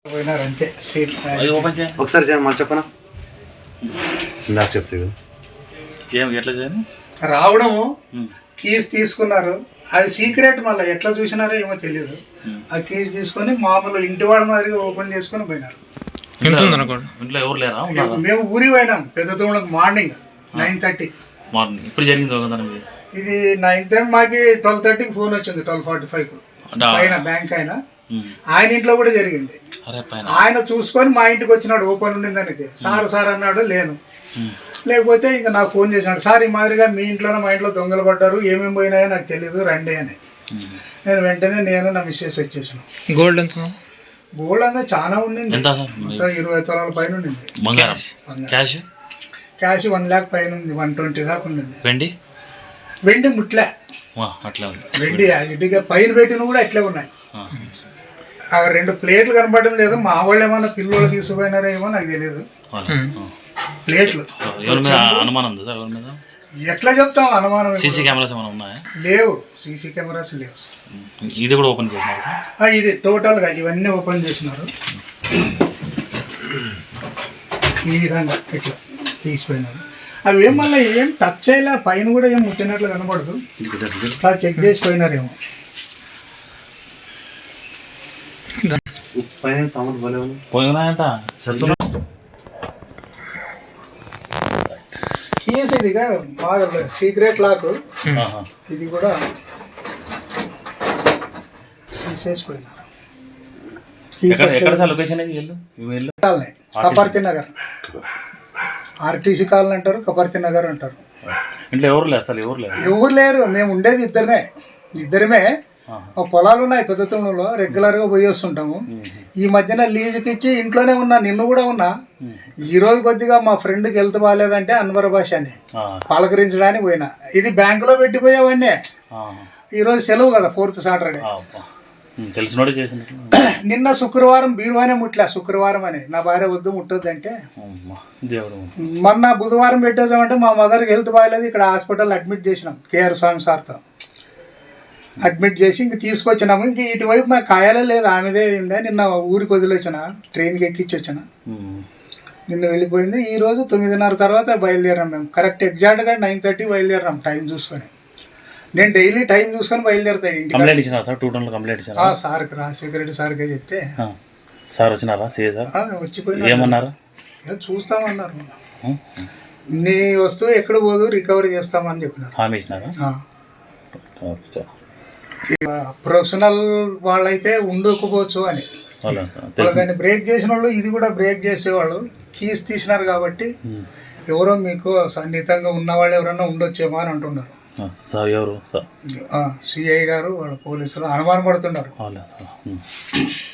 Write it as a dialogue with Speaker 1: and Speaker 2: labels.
Speaker 1: పోయినారు అంతే.
Speaker 2: ఒకసారి మళ్ళీ చెప్పనా, ఇందాక చెప్తే
Speaker 3: ఎట్లా చేయాలి?
Speaker 1: రావడము, కీస్ తీసుకున్నారు, అది సీక్రెట్. మళ్ళీ ఎట్లా చూసినారో ఏమో తెలియదు. ఆ కీస్ తీసుకొని మామూలు ఇంటి వాళ్ళ మాదిరిగా ఓపెన్ చేసుకొని పోయినారు.
Speaker 3: ఇంట్లో ఎవరు లేరా?
Speaker 1: మేము ఊరికి పోయినాం పెద్ద తమ్ముళ్ళకి మార్నింగ్ 9:30.
Speaker 3: మార్నింగ్ ఇప్పుడు జరిగింది
Speaker 1: ఇది 9:30. మాకి 12:30కి ఫోన్ వచ్చింది. 12:45 పైన బ్యాంక్ ఆయన ఇంట్లో కూడా జరిగింది. ఆయన చూసుకొని మా ఇంటికి వచ్చినాడు. ఓపెన్ ఉండింది దానికి. సార్ అన్నాడు. లేకపోతే ఇంకా నాకు ఫోన్ చేసినాడు, సార్ ఈ మాదిరిగా మీ ఇంట్లోనే మా ఇంట్లో దొంగలు పడ్డారు, ఏమేమి పోయినాయో నాకు తెలియదు, రండి అని. నేను వెంటనే నా మిస్సెస్ వచ్చేసాను.
Speaker 4: గోల్డ్ అంతా
Speaker 1: చాలా ఉండింది. 20 తులాల పైన ఉండింది. క్యాష్ 1 lakh పైన ఉంది. 120 దాకా ఉండింది. వెండి ముట్లే. వెండి ఇటుగా పైన పెట్టిన కూడా అట్లే ఉన్నాయి. ఆ 2 ప్లేట్లు కనపడడం లేదు. మా వాళ్ళు ఏమన్నా పిల్లలు తీసుకుపోయినారో ఏమో నాకు తెలియదు. ప్లేట్లు ఎట్లా చెప్తాం? అనుమానం.
Speaker 3: సీసీ కెమెరాస్ ఉన్నాయా?
Speaker 1: లేవు. సీసీ కెమెరాస్ లేవు.
Speaker 3: ఇది కూడా ఓపెన్ చేసినారు.
Speaker 1: ఇది టోటల్ గా ఇవన్నీ ఓపెన్ చేసినారు. ఈ విధంగా ఇట్లా తీసిపోయినారు. అవి ఏం మళ్ళీ ఏం టచ్ చేయలే. పైన కూడా ఏం ముట్టినట్లు కనపడదు. ఇట్లా చెక్ చేసిపోయినారేమో. కీస్ ఇదిగా బాగా సీక్రెట్ లాక్. ఇది కూడా తీసేసిపోయినారు. కపర్తి నగర్, ఆర్టీసీ కాలనీ అంటారు, కపర్తి నగర్ అంటారు. ఎవరు లేరు. మేము ఉండేది ఇద్దరమే. పొలాలు ఉన్నాయి పెద్ద తమ్ముడులో. రెగ్యులర్గా పోయి వస్తుంటాము. ఈ మధ్యన లీజుకి ఇచ్చి ఇంట్లోనే ఉన్నా. నిన్ను కూడా ఉన్నా. ఈ రోజు కొద్దిగా మా ఫ్రెండ్కి హెల్త్ బాగాలేదంటే అన్వర్ భాష అని పలకరించడానికి పోయినా. ఇది బ్యాంకులో పెట్టిపోయావన్నీ. ఈ రోజు సెలవు కదా, 4th సాటర్డే. నిన్న శుక్రవారం బీరువానే ముట్లా. శుక్రవారం అని నా భార్య వద్దు ముట్టొద్దంటే, మొన్న బుధవారం పెట్టేసామంటే మా మదర్కి హెల్త్ బాగాలేదు. ఇక్కడ హాస్పిటల్ అడ్మిట్ చేసినాం. కేఆర్ స్వామి సార్తో అడ్మిట్ చేసి ఇంక తీసుకొచ్చినాము. ఇంక ఇటువైపు మాకు కాయాలే లేదు. ఆమెదే ఉండే. నిన్న ఊరికి వదిలేసిన, ట్రైన్కి ఎక్కించి వచ్చిన. నిన్న వెళ్ళిపోయింది. ఈ రోజు 9:30 తర్వాత బయలుదేరాం. మేము కరెక్ట్ ఎగ్జాక్ట్గా 9:30 బయలుదేరాం. టైం చూసుకొని. నేను డైలీ టైం చూసుకొని బయలుదేరుతాడు ఇంటికి. సార్కి రాజశేఖర రెడ్డి సార్కే చెప్తే
Speaker 3: సార్ వచ్చినారా? వచ్చిపోయినా
Speaker 1: చూస్తామన్నారు. నీ వస్తువు ఎక్కడ పోదు, రికవరీ చేస్తామని చెప్పినారు. ప్రొఫెషనల్ వాళ్ళైతే ఉండకపోవచ్చు అని. దాన్ని బ్రేక్ చేసిన వాళ్ళు ఇది కూడా బ్రేక్ చేసేవాళ్ళు. కీస్ తీసినారు కాబట్టి ఎవరో మీకు సన్నిహితంగా ఉన్నవాళ్ళు ఎవరన్నా ఉండొచ్చేమో అని అంటున్నారు. సిఐ గారు వాళ్ళ పోలీసులు అనుమానం పడుతున్నారు.